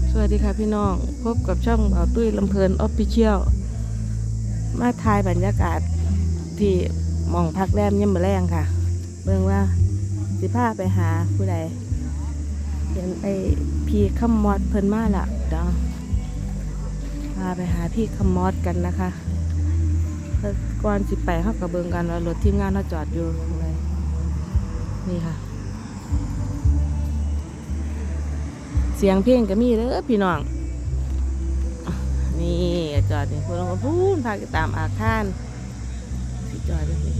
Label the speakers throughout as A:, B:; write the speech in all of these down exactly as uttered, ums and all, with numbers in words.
A: สวัสดีค่ะพี่น้องพบกับช่องเบาตุ้ยลำเพลินออฟฟิเชียลมาถ่ายบรรยากาศที่หม่องพักแรมย่ำมะแรงค่ะเบิ่งว่าสิพาไปหาผู้ใดเห็นไอพี่ขมอดเพิ่นมาละเดี๋ยวพาไปหาพี่ขมอดกันนะคะแล้วก่อนสิไปเขากับเบิ่งกันว่ารถทีมงานเขาจอดอยู่ตรงไหนนี่ค่ะเสียงเพลงก็มีเด้อพี่น้องนี่จอดนี่พวกเราก็พูนพาไปตามอาคารสิจอดนี่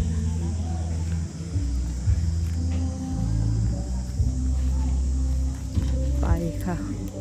A: ไปค่ะ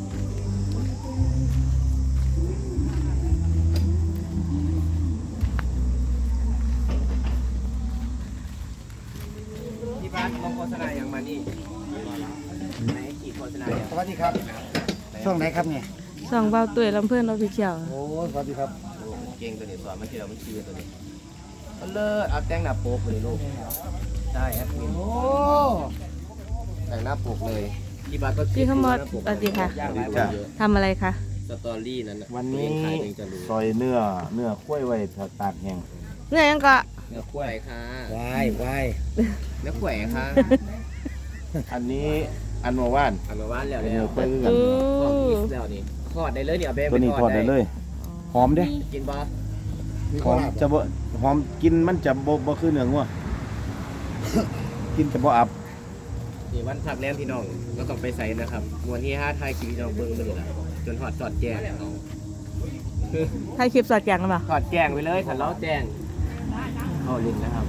B: ที่บ้านลงโฆษณาอย่างมานี่ไหนขีดโฆษณาอย่าง
C: สวัสดีครับช่วงไหนครับเนี่ย
A: ส่องเบาตุ้ยลำเพื่อนออฟฟิเชียล
C: โอ้สวัสดีครับ
B: เก่งตัวนี้สอนมันคือเรามันคือตัวนี้เอาเลิศเอาแต่งหน้าปกเลยลูกได้แอดมิน
C: โอ้
B: แต่งหน้าปกเลยที่บ้านก็
A: พี่ขมอดสวัสดีค่ะ
B: ยากหลายวันเยอะ
A: ทำอะไรคะ
B: สตอรี่นั้น
C: วันนี้
B: ขายเองจะรู้
C: ซอยเนื้อเนื้อข้วยไว้ตากแห้ง
A: เนื่อยังก็
B: เนื้อข้วยค่ะ
C: วายวาย
B: เนื้อข้วยค่ะ
C: อันนี้อันเมื่อวาน
B: ทำมาบ้านแล้ว
C: เป็น
B: แล้
C: เนื้
B: ว
C: อข้วยคือกัน
A: อู้
B: ทอดอีกแล้วนี่ทอดได้เลยเนี่ยเอาไป
C: ตัวนี้ทอดได้เลยหอมเด้
B: กินบ่
C: หอมจะบ่หอมกินมันจะบ่บ่คือเนื้องัว กินจะบ่อับ
B: นี่วันพักแรมพี่น้องก็ต้องไปใส่นะครับวันที่ห้าไทยกินพี่น้องเบิ้งไปเลยละจนหอดจอดแจ้ง
A: ถ่ายคลิปสอดแจงกันป่ะ
B: ถอดแจ้งไปเลยขันเล้าแจ้งเอาลิ้นนะครับ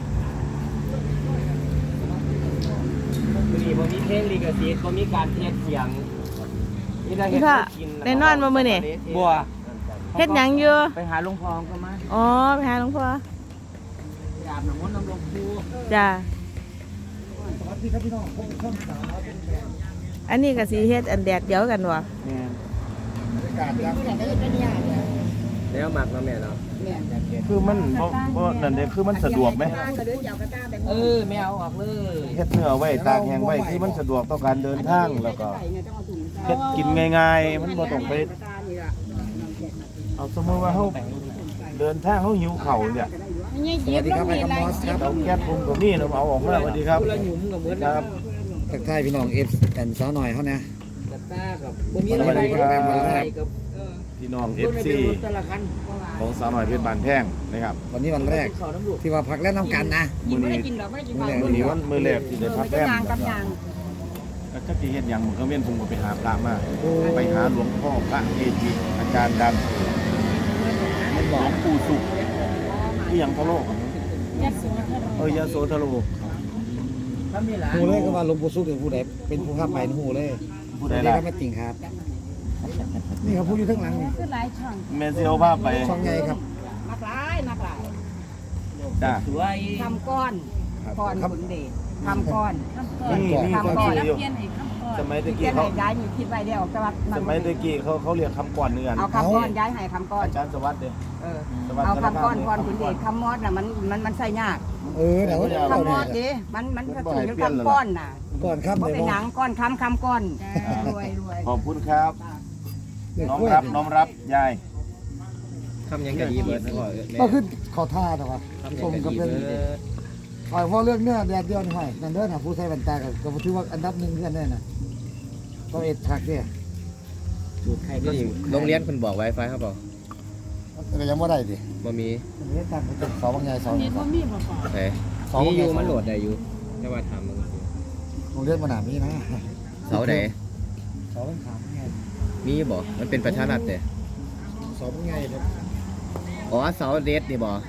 B: มีบ่มีเพลงลิขสิทธิ์บ่มีการเทสเสียงนี่ได้เห็
A: พี่
B: น
A: พ่อ
B: กิน
A: ได้นอนมาเมื่อนี่
B: บัว
A: เฮ็ดหยังอยู่
B: ไปหาลุงพองก็มา
A: อ๋อไปหาหลวงพ่อ
B: อาบน้ำมนต์น้ำลงคู
A: จ้า
C: สวัสดีครับพี่น้องผมช่องสาม
A: อันนี้ก็สีเฮ็ดอันแดดเดียวกันวะ
C: แม่นบรรยากาศครับ
B: แล้วหมักมาแม่เนาะ
C: คือมันบ่บ่นั่นเด้คือมันสะดวกไหม
B: เออไม่เอาออกเลย
C: เฮ็ดเนื้อไว้ตากแห้งไว้คือมันสะดวกต่อการเดินทางแล้วก็เฮ็ดกินง่ายๆ มันบ่ต้องไปเอาสมมุติว่าเฮาเดินทางเฮาหิวข้าวเนี่ย
D: สวัสดีครับไอ้คำมอสครับ
C: เอาแก๊สผมก็มีเนาะเอาออกมาสวัสดีครับ
B: ละหยุ่มกับเหมือน
C: ครับ
D: ทักทายพี่น้องเอฟแอนสาวหน่อยเขานะ
B: กระต้ากับบ่มีอะไรกับ
C: พี่น้อง เอฟ ซี
B: แต่ละคัน
C: ของสาวหน่อยเพชรบานแพงนะครับ
D: วันนี้วันแรกที่ว่าพักเล่นน้ำกันนะ
C: มื้อนี้มื้อนี้วันมื้อแรกที่ได้พักแรมนะครับก็จักสิเฮ็ดหยังมื้อก็เว้นผมก็ไปหาพระมาไปหาหลวงพ่อพระเกจิอาจารย์ดังหลวงปู่สุขที่หยังทะโลกเออยาโสทะโล
D: หูเลยก็ว่าหลวงปู่สุขเป็นผู้ใดเป็นผู้ข้ามไปหูเลย
C: ผู้
D: ส
C: ใด
D: วัสดี
C: ล่ะ
D: ครับแม่ติ่งครับ นี่เขาพูดอยู่ข้างหลังนี่
C: แม่สิเอาภาพไป
D: ช่องใหญ่ครับ
E: นักหลายนักหลาย
C: จ้า
B: สวย
E: ทำก้อน
D: ครับ
E: ก้อน
D: ครับ
E: บุญเดชทำก้อน
C: นี่นี่เขา
E: ทำก้อน
C: ชื่ออยู่
E: เพี้ยนอีกทำก้อน
C: สมัยตะ
E: เพี้
C: กี้
E: ยน
C: เขา
E: ให้ย้ายมีคิดไว้เดียวแต่ว่า
C: สมัยตะกี้เขาเขาเรียกคำก่อนเนื้อน
E: เอาคำก้อนย้ายให้คำก้อน
C: อาจารย์สวัสดิ์เด้
E: เออ
C: สวัสดิ์
E: เอา
C: ธน
E: คำก้อน
C: ภาพ
E: ก้อนบุญเดชคำมอดน่ะมันมันมันใส่ยาก
D: เออเดี๋ยว
E: คำมอด
D: เดี๋
E: ดิ
D: ยว
E: มันมันก็ถูกอยู่คำก้อนน่ะ
D: ก่อนครับ
E: เพราะ
D: เดี๋ยว
E: เป็นหนังก้อนคำคำก้อนรวยรวย
C: ขอบคุณครับ
D: เดี๋ยว
C: น้อม
D: กล้วย
C: รับน้อมรับยาย
B: ทำยังกะดีเบิร์ดนะก่อน
D: ก็ขึ้นขอท่าแต่ว่า
B: ทำยั
D: ผ
B: ง
D: ม
B: กะ
D: ก็
B: ดี
D: เป็น
B: เบิร์ด
D: คอยเพราะเรื่องเนื้อแดดเดียวนี่ให้นั่นเด้อนะผู้ใช้แว่นตาก็ก็ถือว่าอันดับหนึ่งเพื่อนแน่น่ะก็เอ็ดทักเนี่ย
B: สูตรใครก็ดีโรงเรียนคุณบอกไวไฟเขาบอก
D: ก็ยังว่าได้ดิ
B: บ่มี
D: อันนี้ตั้งเป็นสองบางใหญ่สอง
E: นี่ก็มีบ่พอ
B: โอเคมีอยู่มันโหลดได้อยู่แต่ว่าทำมึง
D: โรงเรียนมหามีนะ
B: เสาไหน
D: สองขามไง
B: มีบ่มันเป็นประชารัฐแต่
D: สองไงครับ
B: อ๋อเสาเดสนี่บ่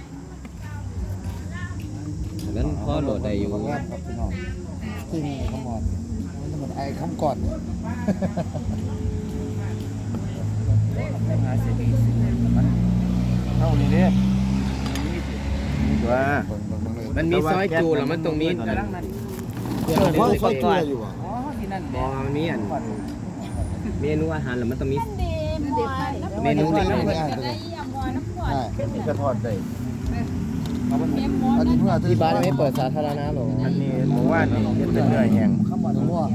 B: นั้นพอโหลดได้อยู่
D: ขงานครับพี่น้องจริงขมอดมันเหมือนไอ้คำก่อนเนี่ย
C: เท่านี้เด้นี่ตัว
B: มันมีซอยจูแล้วมันตรงนี้
C: เออ
D: เออเพราะไฟเกลืออยู่อ่ะ
E: อ๋อที่นั่น
B: บอมันมีอันเมนูอาหารแล้วมันต้องมี
E: เด็ดไป
B: เมนูนี่
D: ไม่ได้เลยใช่
C: นี่ก็ทอดได้
D: อันนี้เพื่อ
B: ที่บ้านไม่เปิดสาธารณะหรอ
C: อันนี้หมูว่านนี่เฮ็ดเป็นเนื้อแห้ง
D: ข้าวมันมั่ว
C: เนื้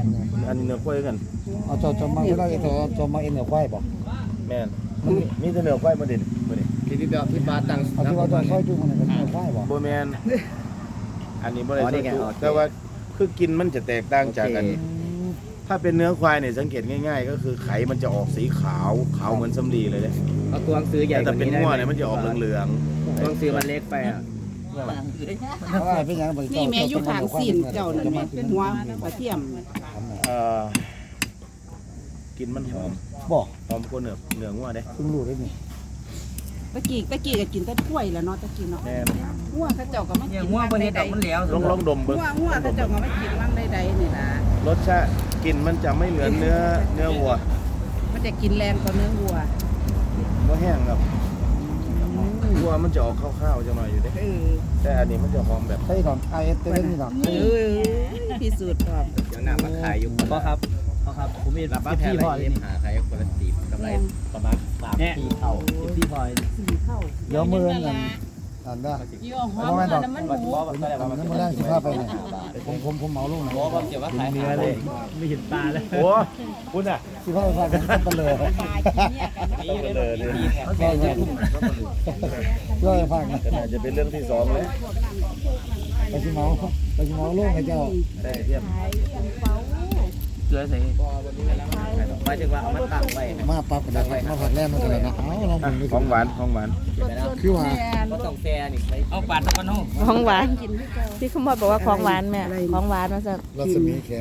C: อันนี้เนื้อควายกัน
D: เอาจอจอมาเวลาจะจอมาเอ็นเหนือควายบ่
C: แม่นมันมีมีแต่เนื้อควายมาเด่นมื้อนี้
B: ที่พี่เบลพี่บาสตั้ง
D: เอาที่ว่าจอซอยจุ่มมันเป็นเหนือควายบ่
C: บ่แม่นอันนี้บ่ได้
B: อ๋อนี่ไง
C: สู้
B: อ๋อ
C: แต่ว่าคือกินมันจะแตกต่างจากกัน ถ้าเป็นเนื้อควายเนี่ยสังเกตง่ายๆ ก็คือไข่มันจะออกสีขาวขาวเหมือนสำลีเลยเนี่ย
B: เอาตัวหนังสือใหญ่
C: แต่
B: กว่า
C: เป็น
B: นี้ได้
C: งัว
B: ไหม
C: เนี่ยมันจะออกเหลือง
B: ตัวหนังสือมันเล็กไปอ่ะ
D: เพราะว่าเป็นหยังบ่
E: นี่แม่อยู่ข้างซีนเจ้านั่นแม่เป็นหัวกระเทียม
C: ๆเอ่อกินมันหอม
D: บ่
C: หอมกว่าเนื้อเนื้องัวเด้
D: เพิ่งรู้ได้นี่
E: ตะกี้ตะกี้ก็กินแต่กล้วยแล้วเนาะตะกี้เนาะ
C: แม่น
E: หัวเขาเจ้าก็มากิน
F: หัวบ่เฮ็ดดอกมันแล้ว
C: ลองลองดม
E: หั
C: เบิ่ง
E: วหัวเขาเจ้าก็มากินมั่งใดๆนี่ล่ะ
C: รสชาติกลิ่นมันจะไม่เหมือนเนื้อเนื้อวัว
E: มันจะกินแรงกว่าเนื้อวัว
C: บ่แห้งครับวัวมันจะออกข้าวๆจะมาอยู่เด้
E: เออ
C: แต่อันนี้มันจะหอมแบบ
D: ใช่ดอกไอเอสเต้นนี่ดอก
E: เออพิสูจน์พร้อม
B: เดี๋ยวหน้ามาขายอยู่
F: พ่อครับพ่อครับผมมี
B: รับบ้านแพ
F: พี่
B: ร
F: พ่อ
B: อะไร
F: เลย
B: หาขายคนละสี่กำไรประมาณสามปีเท่า
F: พี่พ่อ
E: สีเข้า
D: เดี๋ยวมื้อนั้นอันเด้อ
E: ยี่ห้อมันน้ำมันหมู
D: อันนั้นมาแรงสิพาไปนี่ผมผมผมเหมาลงนะ
B: บอกว่าเกี่ยวว่าขาย
F: เนื้อเลยไม่เห็นปลาเลย
C: โอ้คุณอ่ะ
D: สิพาไปพากันไปเลย
C: ต้องไปเลยเลย
D: ใช่ใช่ช่วยฟังนะ
C: ก็น่าจะเป็นเรื่องที่สองเลย
D: ไปสิเมาไปสิเมาลงให้เจ้า
C: ได้เทียม
F: เกลือใส่
B: หมายถึงว่าเอามาตั้งไว้
D: มาปั๊บก็ได้มาผักแรกมันก็เลยนะเอาลอง
C: อ่ะ
D: มึงดู
C: ของหวานของหวาน
D: คือว่า
B: ก็ต้องแซ่นี่ใช้
F: เอาปาดตะกันห้อง
A: ของหวานที่คุณพ่อบอกว่าของหวานแม่ของหวานว่าจะ
D: รัศมีแข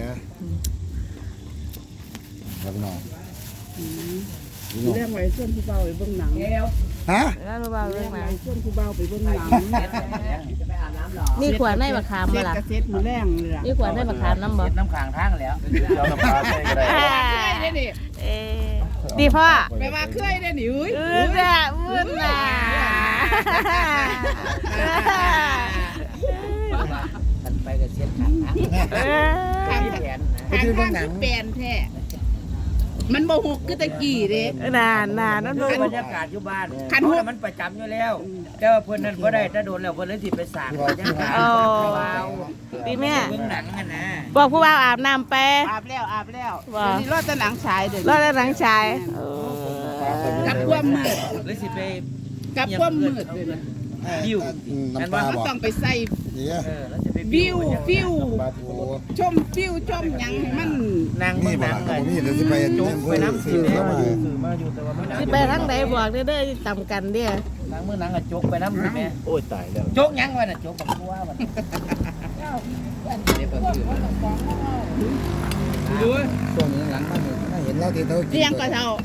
D: ครับน้องพี่น้อง
E: เรื่องไว้ส่วนผู้เบาไปเบิ่งหนัง
D: ฮะ
A: แล้วรู้เปล่าเรื่องมา
E: ส่วนผู้เบาไปเบิ่งหนัง
A: นี่ขวดในมะขาม
E: เซ็
A: มา
E: ต
A: ล่ะ
E: กระเซ็ตมือแรงเลยล่ะ
A: นี่ขวดในมะขามน้ำบ่
F: เฮ็ดน้ำขางทางแล้ว
C: เจ้าน้ำปลาใส่ก็ได้
E: ได้ดิ
A: เอ๊ะดีพ่อ
E: ไปว่าเคยได้ดิอุ้ย
A: อือน่ะอือน่ะ
F: มันไปกับเช็ดขางทาง
A: เออ
F: มีแผนนะ
D: ไปที่เบื้องหนัง
E: แปลนแท้มันบ่หกคือตะกี้เด้
A: นานนานนั่นดู
F: บรรยากาศอยู่บ้าน
E: คัน
F: เพ
E: หู
F: ราะมันประจำอยู่แล้ว แต่ว่าเพิ่นนั้นบ่ได้ถ้าโดนแล้วเพิ่นเลยสิไปสร้างบรรยากาศ
A: โอ้ดีแม่
F: เบิ่งหนังกันนะ
A: บอกผู้บ่าวอาบน้ำไป
E: อาบแล้วอาบแล้ว
A: ว่า
E: เดี๋ยวนี้รอดแต่หนังฉายเด้อ
A: รอดแล้วหลังชาย
E: กับความมืด
F: เลยสิไป
E: กับความมืดเลยนะ
F: วิว
D: น้ำปลา
E: มัน
D: บ่
E: ต้องไปใส่
D: นี่
F: เออแล้วจะไป
E: วิววิว
D: ปลาทู
E: ชมวิวชมหยังให้มัน
F: นั่ง
D: นี่
F: เบิ่ง
D: บ่
F: หนั
D: ล่ะ
F: ง
D: ครับผม
F: เลย
D: นี่เดี๋ยวสิไป
F: โจ๊กไปน้ำ
D: ซื้
F: กิ
D: อน
F: แล้ว
D: เข้ามา
F: ซื้อมาอยู่แต่ว่ามัน
A: สิไปทางไหนบอกเด้อเด้อต่ำกันเด้อ
F: หนังมื้อหนังก็โจ๊กไปน้ำกินแม่
C: โอ้ยตายแล้ว
F: โจ๊กหยังวะน่ะโจ๊กบักกัววะ
B: เนี่ยเปิดคือ
E: ดู
D: ช่วงนี้หลังมันไม่เห็นแล้วที่เธอกิน
E: เรียงก็เท่า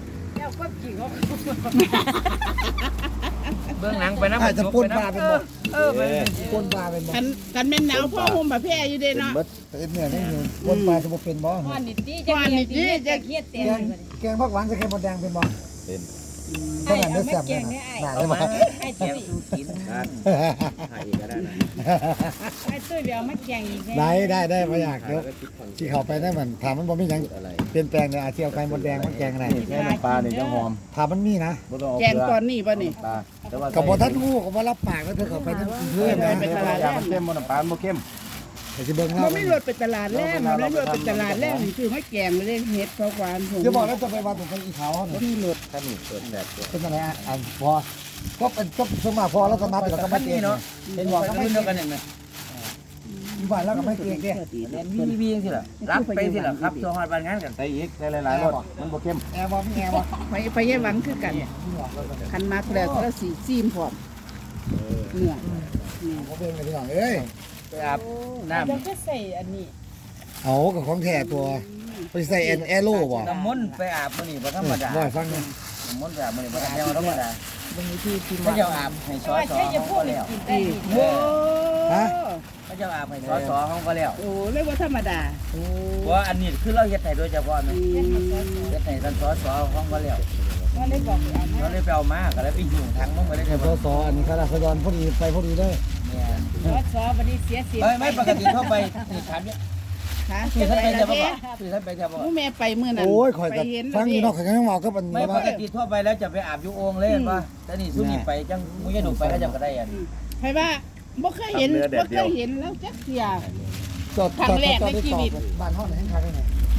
F: เบื้องหลังไปน้ำ
D: อาจจะปนปลาเป็นบ่
F: เออไป
D: ปนปลาเป็นบ่
E: กันกันแม่นหนาวพ่อห่มแบบแพ้อยู่เด้เนาะ
D: แต่เนี่ยนี่ปนปลาจะบ่เป็นบ่
E: ก่อนนิดนี้จะเครียดเต็
D: แกงแกงผักหวานจะแกงมดแดงเป็นบ่
C: เป็น
D: เท่านั้นได้แซ่บเลยนะน่า
F: เอา
D: ได้บ่
F: มาแกงสูกิน
B: การถ่ายอีกก็ได้นะ
E: ไอ้ตุ้ยเดี๋ยวมาแกงอีก
D: ได้ได้ได้บ่อยาก
B: ถ่าย
D: เดี๋ยว
B: แล้วก็คิดคอน
D: ที่เข้าไปได้มันถามมันบ่มีหยัง
B: อะไร
D: เปลี่ยนแปลงเลยอาจสิเอาไก่มดแดงมาแกงอะไร
C: แค่น้ำปลาเนี่ยจะหอม
D: ถามมันมีนะ
C: บ่ต้องเอา
E: แกงตอนนี้ป่ะนี่
C: ปลาแต่ว่า
D: ก็บ่ทันฮู้ก็บ่รับปากแล้วเธอเข้าไปนั่นเพื่อนนะ
E: ไปตลาด
C: อย่ามันเข้มบ่น้ำปลามันบ่เข้ม
D: แต่สิเบิ่ง
E: มั
D: เล่าน
E: ไม่รถไปตลาดแรกมันไม่รถไปตลาดแรกนี่คือไม่แกงไม่ได้เฮ็ดเพราะหวานผม
D: เดี๋ยวบอกแล้วจะไปว่าตรงไปอีขาวเนี่ย
E: นี่รถ
C: ถ้านี่เปิดแบบเปิด
D: เป็นอะไรอ่ะอันพอก็เป็นก็สมมาพอแล้วก็นับแล้วก็มาเกงเนาะ
F: เห็นบอกรุ่นเดียวกันเห็นไหม
D: อยู่บ้านแล้วก็ไม่เกงเด้
F: เล่นวีวีสิล่ะรับไปสิล่ะครับตัวฮอดบ้านงานกัน
C: ใส่อีกใส่หลายๆรสมันบ่เข้ม
D: แอร์บ่มีแอร์บ่
E: ไปไปแย่หวังคือกันคันมากแล้วก็สีซีมพร้อมเนื้อ
D: บ่เป็นกันพี่น้องเอ้ย
F: ไปอาบน้
E: แล้วก็ใส่อันนี้
D: เอากับของแท้ตัวไปใส่แอนแอโร่บ่
F: ำน้ำมนต์ไปอาบมื้อนี้บ่ธรรมดา
D: บ่ฟังนะ
F: น้ำมนต์ไปอาบมื้อนี้บ่ธรรมดา
E: บางทีที่
F: เขาเจ้าอาบให้สอสอเขาก็แล้ว
E: โอ้
F: เขาเจ้าอาบให้สอสอเขาก็แล้ว
E: โหเรียกว่าธรรมดา
F: เพราะอันนี้คือเราเฮ็ดให้โดยเฉพาะนะเฮ็ดให้ท่านสอสอเขาก็แล้ว
E: ว่าได้บอกเอา
F: เราเลยไปเอามาก็เลยไปหิ้วถังมันบ่ได้
D: แต่
F: ได้
D: พอสออันนี้ข้าราชการพอดีไปพอดีเด้อ
F: เนี่ย
E: ซอสซอบัดนี้เสียเสีย
F: เอ้ยไม่ปกติเข้าไปนี่ถามเนี่ย
E: ค่ะ
F: คือท่านไป
E: แล้
F: จะ
E: ว
F: บ่
E: เนี่ย
F: คือท่านไปจะบ่
E: ผู้แม่ไปมื้อนั้น
D: โอ้ยข่อยก็
E: ไปเห็น
D: ฟังอยู่เนาะข่อยก็ยังเว้ากับมัน
F: ไม่ป
D: ว่าก
F: ติทั่วไปแล้วจะไปอาบอยู่โอ่งเลยป่ะแต่นี่สุนี่ไปจังมุ้ยดุไปแล้วจะก็ได้อัน
E: ใครว่าบ่เคยเห็นบ่เคยเห็นแล้วจักเสีย
D: จอดจอดจอดจอดบ้านเฮาไหนทางไหน
C: อะไร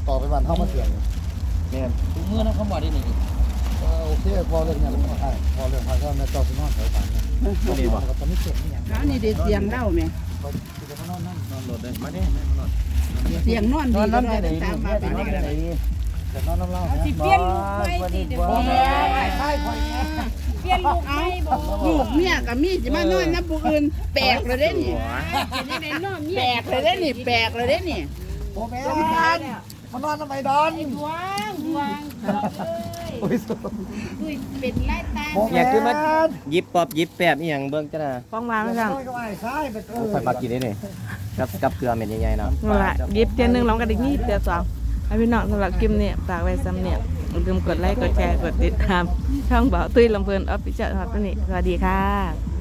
D: ต่อไปบ้านเฮามาเสียง
B: แม่น
F: ถุงมือนะเขาบอกได้นี่
D: โอเคพอเรื่องเนี่ยมันก็ได้พอเรื่องพาก็แม่เจ้าสินอนสายตาเนี่ย
B: นี่บ่
D: ก็ตอนนี้เสียงนี่หยัง
E: แล้วนี่เด็ดเสียงเล่าไหม
D: ก็สิจะมานอนนั่ง
C: นอนรถเลยมาเนี่ยแม่มานอน
E: เสียงนอน
F: น
E: ดี
F: อน
E: ก็
F: นอน
E: ได้
F: ที่ไหน
E: ตามมา
F: นี่
E: บ้าน
F: นอน
E: นี้
F: ที่ไหนนี่
D: แต่นอนน้ำเล่าเนี่ย
G: สิเปลี่ยนลูกไม่สิเดี๋ยว
D: พ่อ
G: นี้
D: แม่ใช่พ่อแม่
G: เปลี่ยนลูกไม่บ่
E: ลูกเมียกับมีจะมานอนน้ำผู้อื่นแปลกเลยเด้นี่
G: เป็นยังไงน้องเนี่
E: แปลกเลยเด้นี่แปลกเลยเด้นี่
D: พ่อแม่มานอนทำไมดอน
G: ดวงดวงเอ้ย
D: โอ้ยสุด
G: ดุยเป็นไล่ตา
D: พ่อ
B: อ
D: แม่
B: ยากคือมายิบปอบยิบแปบอีหยังเบิ่งจ้ะนะ
A: ฟ้องมาไม่สั่ง
D: ก็ไอ้ใช่เป็นเออ
B: ค่อยมากินได้นี่กับกับเกลือเม็ดใหญ่ๆเนาะ
A: นั่นละหยิบเตียนหนึ่งลองกันอีกนี่เตียนสองให้พี่น้องสำหรับคลิปนี้ฝากไว้ซ้ำเนี่ยอย่าลืมกดไลค์กดแชร์กดติดตามช่องบ่าวตุ้ยลำเพลินออฟฟิเชียลครับนี่สวัสดีค่ะ